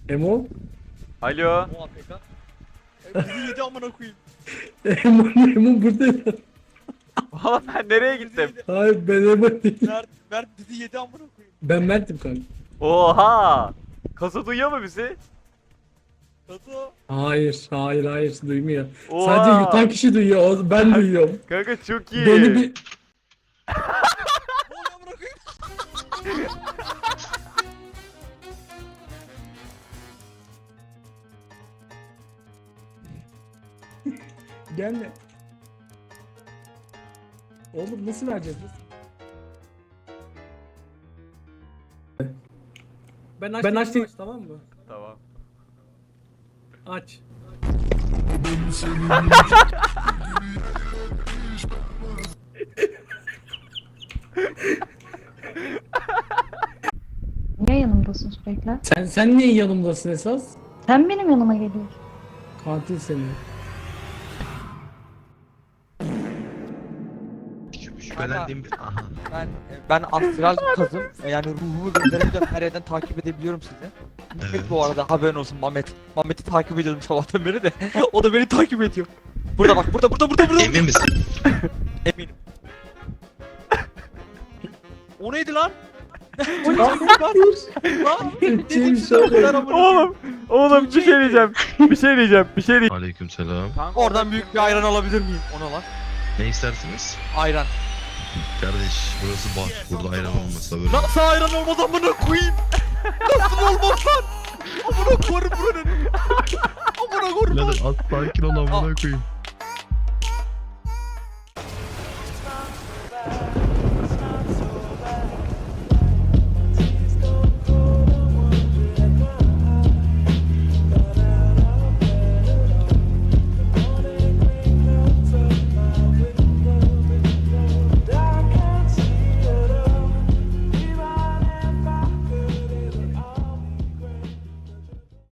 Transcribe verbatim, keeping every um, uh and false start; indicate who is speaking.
Speaker 1: Emo?
Speaker 2: Alo.
Speaker 3: O A P K. E, bizi yedi amına koyayım.
Speaker 1: Emo, Emo burada.
Speaker 2: Oğlum ben nereye gittim?
Speaker 1: Hayır ben Emo değilim.
Speaker 3: Mert, Mert bizi yedi amına koyayım.
Speaker 1: Ben Mert'im kanka.
Speaker 2: Oha. Kasa duyuyor mu bizi?
Speaker 3: Tato.
Speaker 1: Hayır, hayır, hayır duymuyor.
Speaker 2: Oha.
Speaker 1: Sadece yutan kişi duyuyor, o- ben duyuyorum.
Speaker 2: Kanka çok iyi.
Speaker 1: Beni bir...
Speaker 3: Ne oluyor amına koyayım?
Speaker 1: Gelme. Oğlum nasıl vereceğiz biz? Ben açtım, ben açtım. Aç, tamam mı?
Speaker 2: Tamam.
Speaker 1: Aç.
Speaker 4: Niye yanımdasın sürekli?
Speaker 1: Sen sen niye yanımdasın esas?
Speaker 4: Sen benim yanıma geliyorsun.
Speaker 1: Katil seni.
Speaker 5: Şüphelendiğim bir... Aha.
Speaker 3: Ben ben astral kazım. Yani ruhumu gönderebiliyorum. Her yerden takip edebiliyorum sizi.
Speaker 5: Evet.
Speaker 3: Evet. Bu arada haberin olsun Mehmet. Mehmet'i takip ediyordum sabahtan beri de. O da beni takip ediyor. Burada bak, burada burada burada burada.
Speaker 5: Emin misin?
Speaker 3: Eminim. O neydi lan? O neydi lan? Lan?
Speaker 1: Kim
Speaker 3: Size o kadar amına koyayım.
Speaker 2: Oğlum. Oğlum bir şey diyeceğim. Bir şey diyeceğim. Bir şey diyeceğim.
Speaker 5: Aleykümselam.
Speaker 2: Kanka
Speaker 3: Oradan büyük bir ayran alabilir miyim? Ona lan.
Speaker 5: Ne istersiniz?
Speaker 3: Ayran.
Speaker 5: Kardeş burası bar. Burada ayran olmasa böyle.
Speaker 3: Nasıl ayran olmaz amına koyayım? Nasıl olmaz lan? Amına koyarım buranın. Amına koyarım.
Speaker 5: Birader az sakin ol amına koyayım.